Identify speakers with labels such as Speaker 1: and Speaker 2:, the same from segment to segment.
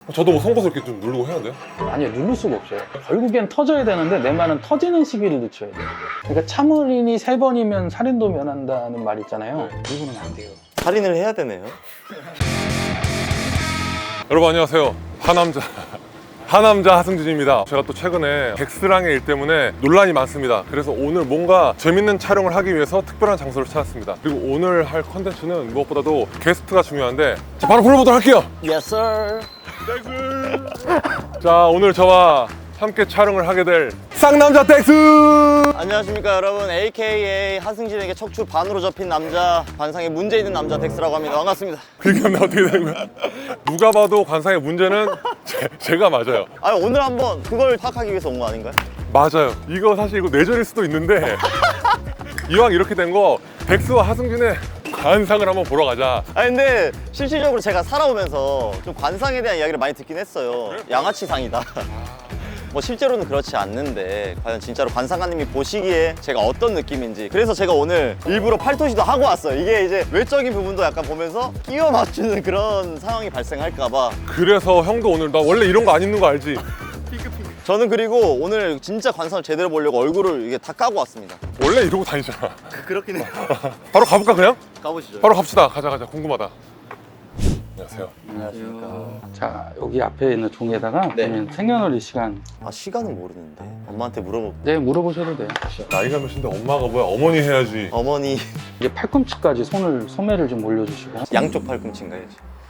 Speaker 1: 저도 뭐 송곳을 이렇게 좀 누르고 해야 돼요?
Speaker 2: 아니요, 누를 수가 없어요. 결국엔 터져야 되는데 내 말은 터지는 시기를 늦춰야 돼요. 그러니까 참을인이 3번이면 살인도 면한다는 말 있잖아요. 이거는 안 돼요.
Speaker 3: 살인을 해야 되네요.
Speaker 1: 여러분 안녕하세요. 하남자 하승진입니다. 제가 또 최근에 덱스랑의 일 때문에 논란이 많습니다. 그래서 오늘 뭔가 재밌는 촬영을 하기 위해서 특별한 장소를 찾았습니다. 그리고 오늘 할 컨텐츠는 무엇보다도 게스트가 중요한데 자, 바로 불러보도록 할게요.
Speaker 3: Yes, sir.
Speaker 1: 자, 오늘 저와 함께 촬영을 하게 될 쌍남자 덱스!
Speaker 3: 안녕하십니까 여러분. AKA 하승진에게 척추 반으로 접힌 남자, 관상에 문제 있는 남자 덱스라고 합니다. 반갑습니다.
Speaker 1: 그렇게 하면 어떻게 되는 거야? 누가 봐도 관상의 문제는 제가 맞아요.
Speaker 3: 오늘 한번 그걸 파악하기 위해서 온 거 아닌가요?
Speaker 1: 맞아요. 이거 사실 이거 내전일 수도 있는데 이왕 이렇게 된 거 덱스와 하승진의 관상을 한번 보러 가자.
Speaker 3: 근데 실질적으로 제가 살아오면서 좀 관상에 대한 이야기를 많이 듣긴 했어요. 양아치상이다. 뭐 실제로는 그렇지 않는데 과연 진짜로 관상가님이 보시기에 제가 어떤 느낌인지, 그래서 제가 오늘 일부러 팔토시도 하고 왔어요. 이게 이제 외적인 부분도 약간 보면서 끼워 맞추는 그런 상황이 발생할까 봐.
Speaker 1: 그래서 형도 오늘 나 원래 이런 거 안 입는 거 알지?
Speaker 3: 저는 그리고 오늘 진짜 관상을 제대로 보려고 얼굴을 이게 다 까고 왔습니다.
Speaker 1: 원래 이러고 다니잖아.
Speaker 3: 그렇긴 해요.
Speaker 1: 바로 가볼까 그냥?
Speaker 3: 가보시죠.
Speaker 1: 바로 갑시다. 가자 궁금하다. 안녕하세요.
Speaker 3: 안녕하십니까.
Speaker 2: 자, 여기 앞에 있는 종이에다가
Speaker 3: 네.
Speaker 2: 보면 생년월일 시간
Speaker 3: 시간은 모르는데 엄마한테 물어볼게요.
Speaker 2: 네, 물어보셔도 돼요.
Speaker 1: 나이가 몇인데 엄마가 뭐야? 어머니 해야지.
Speaker 3: 어머니
Speaker 2: 이제 팔꿈치까지 소매를 좀 올려주시고.
Speaker 3: 양쪽 팔꿈치인가요?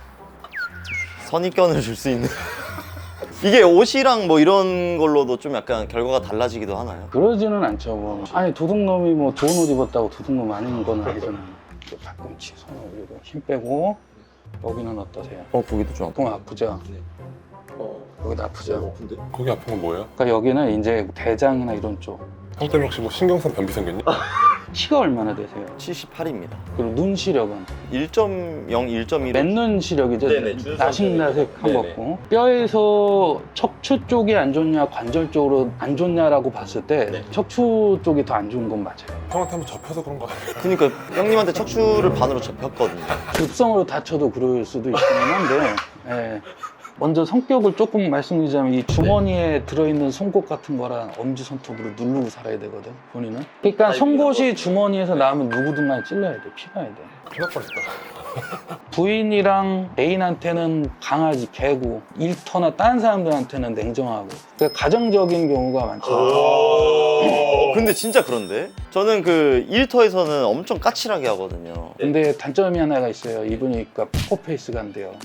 Speaker 3: 선입견을 줄 수 있는 이게 옷이랑 뭐 이런 걸로도 좀 약간 결과가 달라지기도 하나요?
Speaker 2: 그러지는 않죠. 뭐. 아니, 도둑놈이 뭐 좋은 옷 입었다고 도둑놈 아닌 건 아니잖아요. 이렇게 팔꿈치 손 올리고 힘 빼고. 여기는 어떠세요?
Speaker 3: 거기도 좀
Speaker 2: 조금 아프죠? 여기도 아프죠?
Speaker 1: 거기 아픈 건 뭐예요?
Speaker 2: 그러니까 여기는 이제 대장이나 이런 쪽.
Speaker 1: 형 때문에 혹시 뭐 신경성 변비 생겼니?
Speaker 2: 키가 얼마나 되세요?
Speaker 3: 78입니다.
Speaker 2: 그리고 눈 시력은?
Speaker 3: 1.0, 1.1.
Speaker 2: 맨눈 시력이죠?
Speaker 3: 네네, 준수한
Speaker 2: 나식나색한
Speaker 3: 네네.
Speaker 2: 거고. 뼈에서 척추 쪽이 안 좋냐 관절 쪽으로 안 좋냐라고 봤을 때
Speaker 3: 네.
Speaker 2: 척추 쪽이 더 안 좋은 건 맞아요.
Speaker 1: 형한테 한번 접혀서 그런 거 아니야?
Speaker 3: 그러니까 형님한테 척추를 반으로 접혔거든요.
Speaker 2: 급성으로 다쳐도 그럴 수도 있기는 한데 예. 먼저 성격을 조금 말씀드리자면 이 주머니에 들어있는 송곳 같은 거랑 엄지손톱으로 누르고 살아야 되거든, 본인은. 그러니까 송곳이 주머니에서 나오면 누구든 간에 찔러야 돼, 피가야 돼.
Speaker 1: 큰일 날 뻔했다.
Speaker 2: 부인이랑 애인한테는 강아지, 개고, 일터나 다른 사람들한테는 냉정하고. 그러니까 가정적인 경우가 많죠.
Speaker 3: 근데 진짜 그런데? 저는 그 일터에서는 엄청 까칠하게 하거든요.
Speaker 2: 근데 단점이 하나가 있어요. 이분이 그러니까 포커페이스가 안 돼요.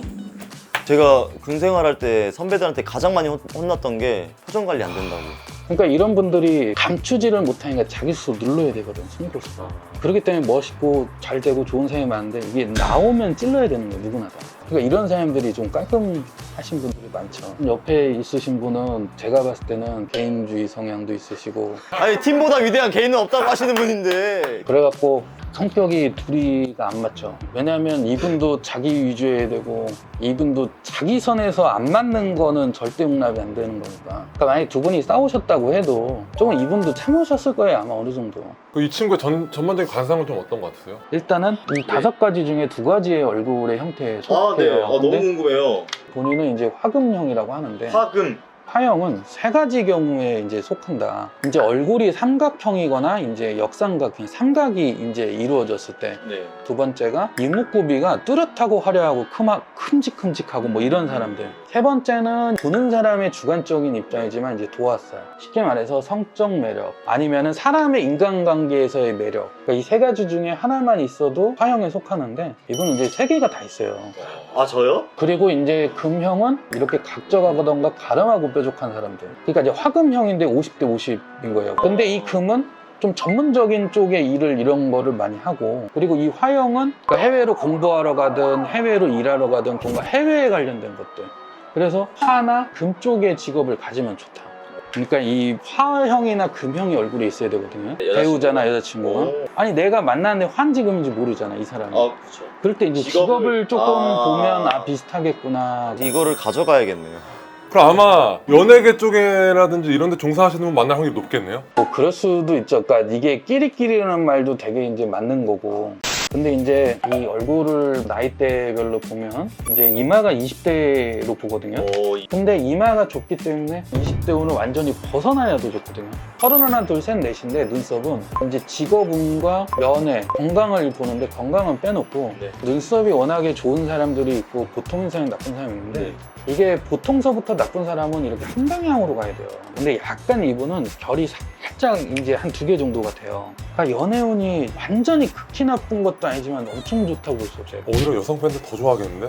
Speaker 3: 제가 군 생활할 때 선배들한테 가장 많이 혼났던 게 표정 관리 안 된다고.
Speaker 2: 그러니까 이런 분들이 감추지를 못하니까 자기 스스로 눌러야 되거든, 송곳을. 그렇기 때문에 멋있고 잘 되고 좋은 사람이 많은데 이게 나오면 찔러야 되는 거예요, 누구나 다. 그러니까 이런 사람들이 좀 깔끔하신 분들이 많죠. 옆에 있으신 분은 제가 봤을 때는 개인주의 성향도 있으시고
Speaker 3: 아니 팀보다 위대한 개인은 없다고 하시는 분인데.
Speaker 2: 그래갖고 성격이 둘이가 안 맞죠. 왜냐하면 이분도 자기 위주해야 되고 이분도 자기 선에서 안 맞는 거는 절대 용납이 안 되는 거니까. 그러니까 만약에 두 분이 싸우셨다고 해도 조금 이분도 참으셨을 거예요, 아마 어느 정도.
Speaker 1: 이 친구의 전반적인 관상은 좀 어떤 것 같으세요?
Speaker 2: 일단은 이 5가지 중에 2가지의 얼굴의 형태에 속해요. 근데
Speaker 3: 궁금해요.
Speaker 2: 본인은 이제 화금형이라고 하는데
Speaker 3: 화금.
Speaker 2: 화형은 3가지 경우에 이제 속한다. 이제 얼굴이 삼각형이거나 이제 역삼각형, 삼각이 이제 이루어졌을 때.
Speaker 3: 네.
Speaker 2: 두 번째가 이목구비가 뚜렷하고 화려하고 큼직큼직하고 뭐 이런 사람들. 세 번째는 보는 사람의 주관적인 입장이지만 이제 도화살. 쉽게 말해서 성적 매력 아니면은 사람의 인간관계에서의 매력. 그러니까 이 3가지 중에 하나만 있어도 화형에 속하는데 이분은 이제 3개가 다 있어요.
Speaker 3: 저요?
Speaker 2: 그리고 이제 금형은 이렇게 각져가거던가 가름하고 뾰족한 사람들. 그러니까 이제 화금형인데 50대 50인 거예요. 근데 이 금은 좀 전문적인 쪽의 일을 이런 거를 많이 하고, 그리고 이 화형은 그러니까 해외로 공부하러 가든 해외로 일하러 가든 뭔가 해외에 관련된 것들. 그래서 화나 금 쪽의 직업을 가지면 좋다. 그러니까 이 화형이나 금형이 얼굴에 있어야 되거든요. 배우자나 여자친구가. 아니 내가 만났는데 환지금인지 모르잖아, 이 사람이.
Speaker 3: 그렇죠.
Speaker 2: 그럴 때 이제 직업을 조금 보면 비슷하겠구나.
Speaker 3: 이거를 가져가야겠네요.
Speaker 1: 그럼 아마 연예계 쪽에라든지 이런 데 종사하시는 분 만날 확률이 높겠네요?
Speaker 2: 뭐 그럴 수도 있죠. 그러니까 이게 끼리끼리라는 말도 되게 이제 맞는 거고. 근데 이제 이 얼굴을 나이대별로 보면 이제 이마가 20대로 보거든요. 근데 이마가 좁기 때문에 20대 후는 완전히 벗어나야 더 좋거든요. 31, 2, 3, 4인데 눈썹은 이제 직업운과 연애, 건강을 보는데 건강은 빼놓고 눈썹이 워낙에 좋은 사람들이 있고 보통 인상이 나쁜 사람이 있는데 이게 보통서부터 나쁜 사람은 이렇게 한 방향으로 가야 돼요. 근데 약간 이분은 결이 살짝 이제 한 2개 정도 같아요. 그러니까 연애운이 완전히 극히 나쁜 것도 아니지만 엄청 좋다고 볼 수 없어요.
Speaker 1: 오히려 여성 팬들 더 좋아하겠는데?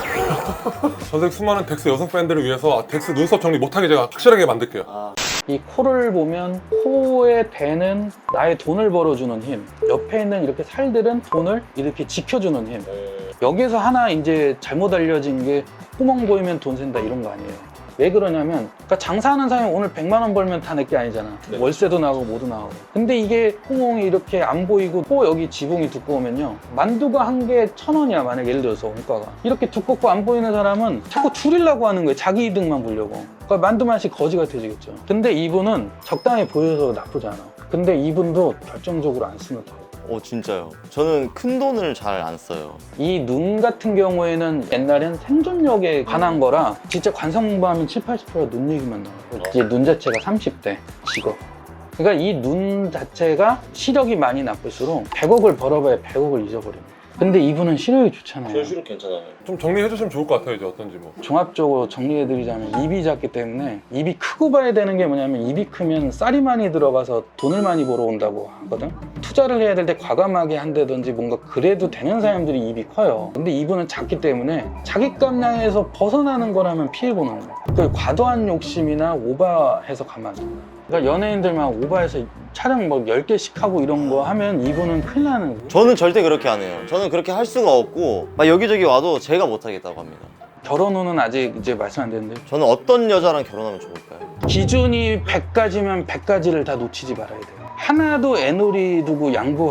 Speaker 1: 전생 수많은 덱스 여성 팬들을 위해서 덱스 눈썹 정리 못하게 제가 확실하게 만들게요.
Speaker 2: 이 코를 보면 코에 대는 나의 돈을 벌어주는 힘, 옆에 있는 이렇게 살들은 돈을 이렇게 지켜주는 힘. 여기서 하나 이제 잘못 알려진 게 구멍 보이면 돈 센다 이런 거 아니에요. 왜 그러냐면 그러니까 장사하는 사람이 오늘 100만 원 벌면 다 내 게 아니잖아. 월세도 나가고 뭐도 나가고. 근데 이게 구멍이 이렇게 안 보이고 코 여기 지붕이 두꺼우면요, 만두가 한 개 1,000원이야 만약 예를 들어서 원가가. 이렇게 두껍고 안 보이는 사람은 자꾸 줄이려고 하는 거예요. 자기 이득만 보려고. 그러니까 만두 맛이 거지 같아지겠죠. 근데 이분은 적당히 보여서 나쁘지 않아. 근데 이분도 결정적으로 안 쓰는 타입.
Speaker 3: 진짜요? 저는 큰 돈을 잘 안 써요.
Speaker 2: 이 눈 같은 경우에는 옛날엔 생존력에 관한 거라 진짜 관상 공부하면 70~80%가 눈 얘기만 나와요. 이제 눈 자체가 30대 직업. 그러니까 이 눈 자체가 시력이 많이 나쁠수록 100억을 벌어봐야 100억을 잊어버립니다. 근데 이분은 시력이 좋잖아요.
Speaker 3: 시력 괜찮아요.
Speaker 1: 좀 정리해 주시면 좋을 것 같아요. 이제 어떤지 뭐.
Speaker 2: 종합적으로 정리해드리자면 입이 작기 때문에 입이 크고 봐야 되는 게 뭐냐면 입이 크면 쌀이 많이 들어가서 돈을 많이 벌어온다고 하거든. 투자를 해야 될 때 과감하게 한다든지 뭔가 그래도 되는 사람들이 입이 커요. 근데 이분은 작기 때문에 자기 감량에서 벗어나는 거라면 피해보는 거예요. 그 과도한 욕심이나 오버해서 가면 안 됩니다. 그러니까 연예인들만 오버해서 촬영 뭐 10개씩 하고 이런 거 하면 이분은 큰일 나는 거예요.
Speaker 3: 저는 절대 그렇게 안 해요. 저는 그렇게 할 수가 없고 막 여기저기 와도 제가 못 하겠다고 합니다.
Speaker 2: 결혼 후는 아직 이제 말씀 안 되는데
Speaker 3: 저는 어떤 여자랑 결혼하면 좋을까요?
Speaker 2: 기준이 100가지면 100가지를 다 놓치지 말아야 돼요. 하나도 애놀이 두고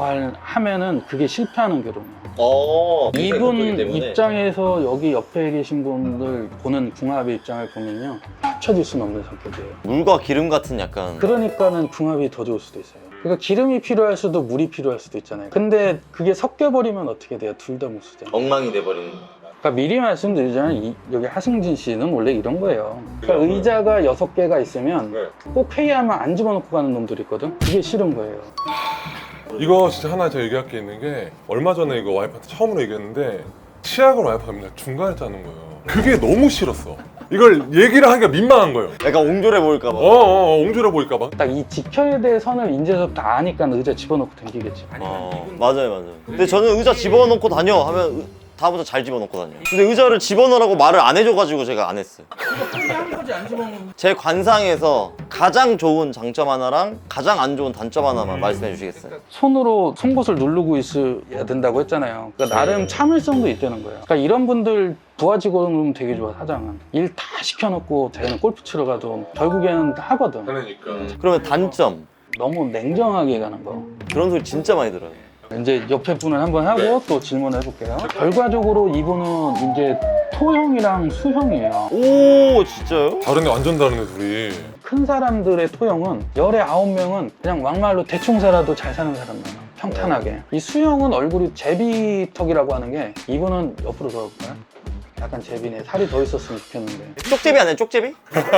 Speaker 2: 양보하면은 그게 실패하는 결혼이에요. 이분 입장에서 여기 옆에 계신 분들 보는 궁합의 입장을 보면요, 합쳐질 수는 없는 성격이에요.
Speaker 3: 물과 기름 같은 약간.
Speaker 2: 그러니까는 궁합이 더 좋을 수도 있어요. 그러니까 기름이 필요할 수도 물이 필요할 수도 있잖아요. 근데 그게 섞여버리면 어떻게 돼요? 둘 다 못 쓰잖아요.
Speaker 3: 엉망이 돼버리는.
Speaker 2: 그러니까 미리 말씀드리자면 여기 하승진 씨는 원래 이런 거예요. 그러니까 의자가 6개가 있으면 꼭 회의하면 안 집어넣고 가는 놈들이 있거든. 그게 싫은 거예요.
Speaker 1: 이거 진짜 하나 제가 얘기할 게 있는 게, 얼마 전에 이거 와이프한테 처음으로 얘기했는데 치약을 와이프가 맨날 중간에 짜는 거예요. 그게 너무 싫었어. 이걸 얘기를 하기가 민망한 거예요.
Speaker 3: 약간 옹졸해 보일까봐.
Speaker 1: 옹졸해 보일까봐.
Speaker 2: 딱 이 지켜야 될 선을 인제서부터 아니까 의자 집어넣고 당기겠지.
Speaker 3: 맞아요. 근데 저는 의자 집어넣고 다녀 하면 다음부터 잘 집어넣고 다녀요. 근데 의자를 집어넣으라고 말을 안 해줘가지고 제가 안 했어요. 제 관상에서 가장 좋은 장점 하나랑 가장 안 좋은 단점 하나만 말씀해 주시겠어요?
Speaker 2: 손으로 송곳을 누르고 있어야 된다고 했잖아요. 그러니까 나름 참을성도 있다는 거예요. 그러니까 이런 분들 부하 직원은 되게 좋아. 사장은 일 다 시켜놓고 자기는 골프 치러 가도 결국에는 하거든.
Speaker 1: 그러니까.
Speaker 3: 그러면 단점.
Speaker 2: 너무 냉정하게 가는 거.
Speaker 3: 그런 소리 진짜 많이 들어요.
Speaker 2: 이제 옆에 분을 한번 하고 또 질문을 해볼게요. 결과적으로 이분은 이제 토형이랑 수형이에요.
Speaker 3: 오, 진짜요?
Speaker 1: 다른애 완전 다른애 둘이.
Speaker 2: 큰 사람들의 토형은 열에 9명은 그냥 막말로 대충 살아도 잘 사는 사람 많아. 평탄하게. 이 수형은 얼굴이 제비턱이라고 하는 게, 이분은 옆으로 돌아볼까요? 약간 제비네. 살이 더 있었으면 좋겠는데.
Speaker 3: 쪽제비 아니에요? 쪽제비?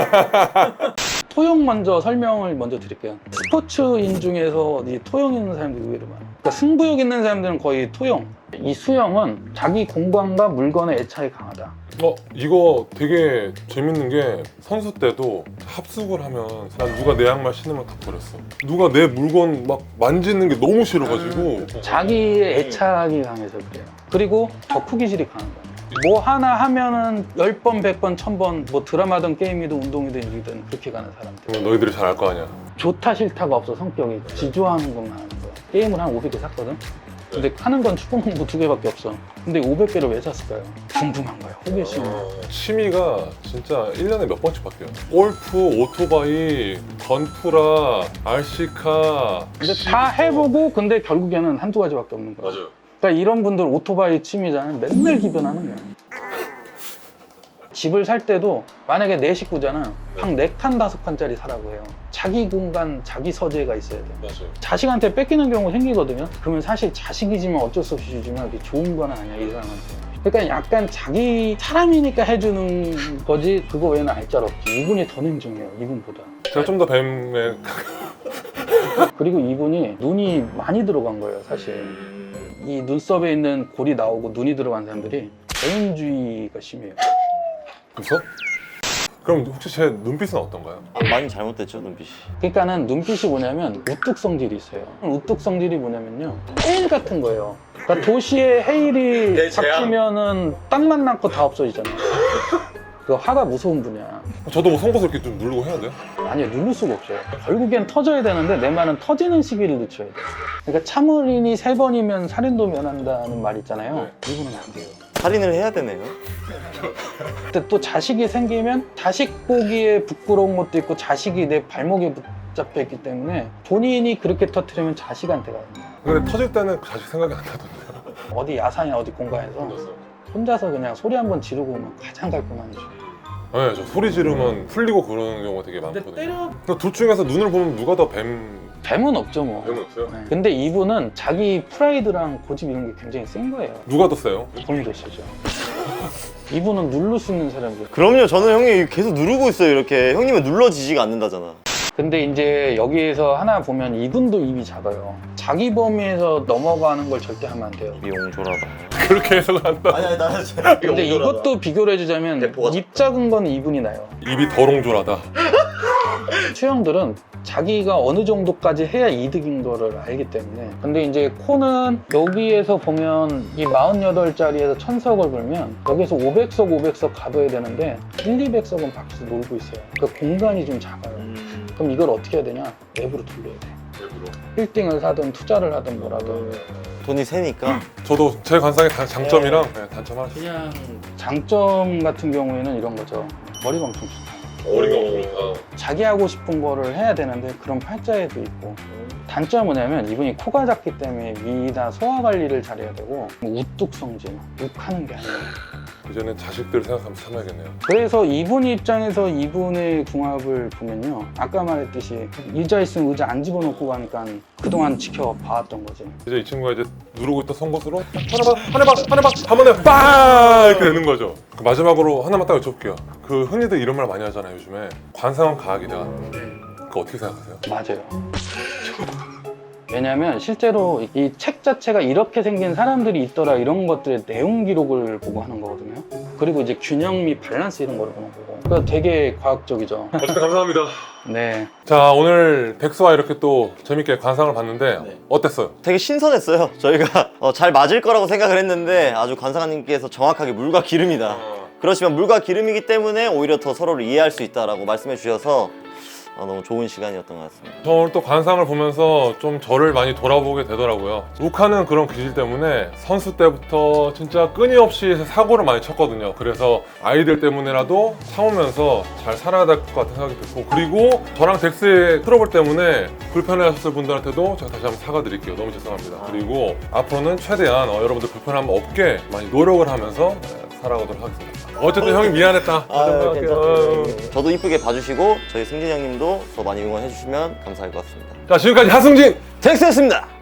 Speaker 2: 토형 먼저 설명을 먼저 드릴게요. 스포츠인 중에서 이 토형 있는 사람들이 의외로 많아요. 그러니까 승부욕 있는 사람들은 거의 토형. 이 수형은 자기 공간과 물건의 애착이 강하다.
Speaker 1: 이거 되게 재밌는 게, 선수 때도 합숙을 하면 난 누가 내 양말 신으면 다 버렸어. 누가 내 물건 막 만지는 게 너무 싫어가지고.
Speaker 2: 자기의 애착이 강해서 그래요. 그리고 덕후기질이 강한 거예요. 뭐 하나 하면은 10번, 100번, 1000번, 뭐 드라마든 게임이든 운동이든 일이든 그렇게 가는 사람들.
Speaker 1: 너희들이 잘 알 거 아니야.
Speaker 2: 좋다 싫다가 없어. 성격이 지조하는 것만 하는 거야. 게임을 한 500개 샀거든? 근데 하는 건 축구공부 2개밖에 없어. 근데 500개를 왜 샀을까요? 궁금한 거야. 호기심.
Speaker 1: 취미가 진짜 1년에 몇 번씩 바뀌어요. 골프, 오토바이, 건프라, RC카.
Speaker 2: 근데 다 해보고 근데 결국에는 한두 가지밖에 없는 거야.
Speaker 1: 맞아요.
Speaker 2: 그러니까 이런 분들 오토바이 취미잖아요. 맨날 기변하는 거야. 집을 살 때도 만약에 4식구잖아. 방 4칸, 5칸짜리 사라고 해요. 자기 공간, 자기 서재가 있어야 돼.
Speaker 1: 맞아요.
Speaker 2: 자식한테 뺏기는 경우 생기거든요. 그러면 사실 자식이지만 어쩔 수 없이 주지만 그게 좋은 건 아니야, 이 사람한테. 그러니까 약간 자기 사람이니까 해주는 거지 그거 외에는 알짤 없지. 이분이 더 냉정해요, 이분보다.
Speaker 1: 제가 좀 더 뱀에
Speaker 2: 그리고 이분이 눈이 많이 들어간 거예요, 사실. 이 눈썹에 있는 골이 나오고 눈이 들어간 사람들이 개인주의가 심해요.
Speaker 1: 그래서? 그럼 혹시 제 눈빛은 어떤가요?
Speaker 3: 많이 잘못됐죠, 눈빛이.
Speaker 2: 그러니까는 눈빛이 뭐냐면 우뚝 성질이 있어요. 우뚝 성질이 뭐냐면요, 헤일 같은 거예요. 그러니까 도시에 헤일이 박히면은 땅만 남고 다 없어지잖아요. 그 화가 무서운 분이야.
Speaker 1: 저도 뭐 송곳을 이렇게 좀 누르고 해야 돼요?
Speaker 2: 아니요, 누를 수가 없어요. 결국엔 터져야 되는데 내 말은 터지는 시기를 늦춰야 돼요. 그러니까 참을인이 3번이면 살인도 면한다는 말 있잖아요. 이분은 안 돼요.
Speaker 3: 살인을 해야 되네요.
Speaker 2: 근데 또 자식이 생기면 자식 보기에 부끄러운 것도 있고 자식이 내 발목에 붙잡혀 있기 때문에 본인이 그렇게 터뜨리면 자식한테 가요.
Speaker 1: 근데 터질 때는 자식 생각이 안 나던데요.
Speaker 2: 어디 야산이나 어디 공간에서 혼자서 그냥 소리 한번 지르고 오면 가장 깔끔하죠.
Speaker 1: 네, 저 소리 지르면 풀리고 그러는 경우가 되게 많거든요. 근데 둘 중에서 눈을 보면 누가 더
Speaker 2: 뱀은 없죠 뭐.
Speaker 1: 뱀은 없어요?
Speaker 2: 네. 근데 이분은 자기 프라이드랑 고집 이런 게 굉장히 센 거예요.
Speaker 1: 누가 더 세요?
Speaker 2: 본인도 쓰죠. 이분은 누를 수 있는 사람이에요.
Speaker 3: 그럼요, 저는 형이 계속 누르고 있어요, 이렇게. 형님은 눌러지지가 않는다잖아.
Speaker 2: 근데 이제 여기에서 하나 보면 이분도 입이 작아요. 자기 범위에서 넘어가는 걸 절대 하면 안 돼요.
Speaker 3: 미용조라다.
Speaker 1: 그렇게 해석을 한다.
Speaker 3: 아니, 나는
Speaker 2: 근데 이것도 비교를 해주자면
Speaker 3: 대포가
Speaker 2: 입 작은 건 이분이 나요.
Speaker 1: 입이 더롱졸하다.
Speaker 2: 수영들은 자기가 어느 정도까지 해야 이득인 거를 알기 때문에. 근데 이제 코는 여기에서 보면 이 48짜리에서 1000석을 걸면 여기서 500석 가둬야 되는데 200석은 밖에서 놀고 있어요. 그러니까 공간이 좀 작아요. 그럼 이걸 어떻게 해야 되냐? 내부로 돌려야 돼. 빌딩을 사든 투자를 하든 뭐라든.
Speaker 3: 돈이 세니까.
Speaker 1: 저도 제 관상의 장점이랑 단점 하나 있어요.
Speaker 2: 그냥 장점 같은 경우에는 이런 거죠. 머리가 엄청 좋다.
Speaker 1: 머리가 없으니까.
Speaker 2: 자기 하고 싶은 거를 해야 되는데 그런 팔자에도 있고. 단점은 뭐냐면 이분이 코가 작기 때문에 위나 소화 관리를 잘해야 되고 우뚝 성질, 욱하는 게 아니에요.
Speaker 1: 이제는 자식들 생각하면서 참아야겠네요.
Speaker 2: 그래서 이분 입장에서 이분의 궁합을 보면요, 아까 말했듯이 의자 있으면 의자 안 집어넣고 가니까 그동안 지켜봐왔던 거지.
Speaker 1: 이제 이 친구가 이제 누르고 있던 송곳으로 하나 봐 하면은 빵 이렇게 되는 거죠. 그 마지막으로 하나만 딱 여쭤볼게요. 그 흔히들 이런 말 많이 하잖아요, 요즘에. 관상은 과학이다. 그거 어떻게 생각하세요?
Speaker 2: 맞아요. 왜냐면 실제로 이 책 자체가 이렇게 생긴 사람들이 있더라 이런 것들의 내용 기록을 보고 하는 거거든요. 그리고 이제 균형 및 밸런스 이런 거를 보는 거고. 그러니까 되게 과학적이죠.
Speaker 1: 어쨌든 감사합니다.
Speaker 2: 네.
Speaker 1: 자, 오늘 백수와 이렇게 또 재밌게 관상을 봤는데 어땠어요?
Speaker 3: 되게 신선했어요. 저희가 잘 맞을 거라고 생각을 했는데 아주 관상가님께서 정확하게 물과 기름이다. 그렇지만 물과 기름이기 때문에 오히려 더 서로를 이해할 수 있다라고 말씀해 주셔서 너무 좋은 시간이었던 것 같습니다.
Speaker 1: 저 오늘 또 관상을 보면서 좀 저를 많이 돌아보게 되더라고요. 욱하는 그런 기질 때문에 선수 때부터 진짜 끊임없이 사고를 많이 쳤거든요. 그래서 아이들 때문에라도 참으면서 잘 살아야 될 것 같은 생각이 들고, 그리고 저랑 덱스의 트러블 때문에 불편해하셨을 분들한테도 제가 다시 한번 사과드릴게요. 너무 죄송합니다. 그리고 앞으로는 최대한 여러분들 불편함 없게 많이 노력을 하면서 살아가도록 하겠습니다. 어쨌든 형이 미안했다.
Speaker 3: 저도 이쁘게 봐주시고 저희 승진 형님도 더 많이 응원해 주시면 감사할 것 같습니다.
Speaker 1: 자, 지금까지 하승진!
Speaker 3: 덱스였습니다.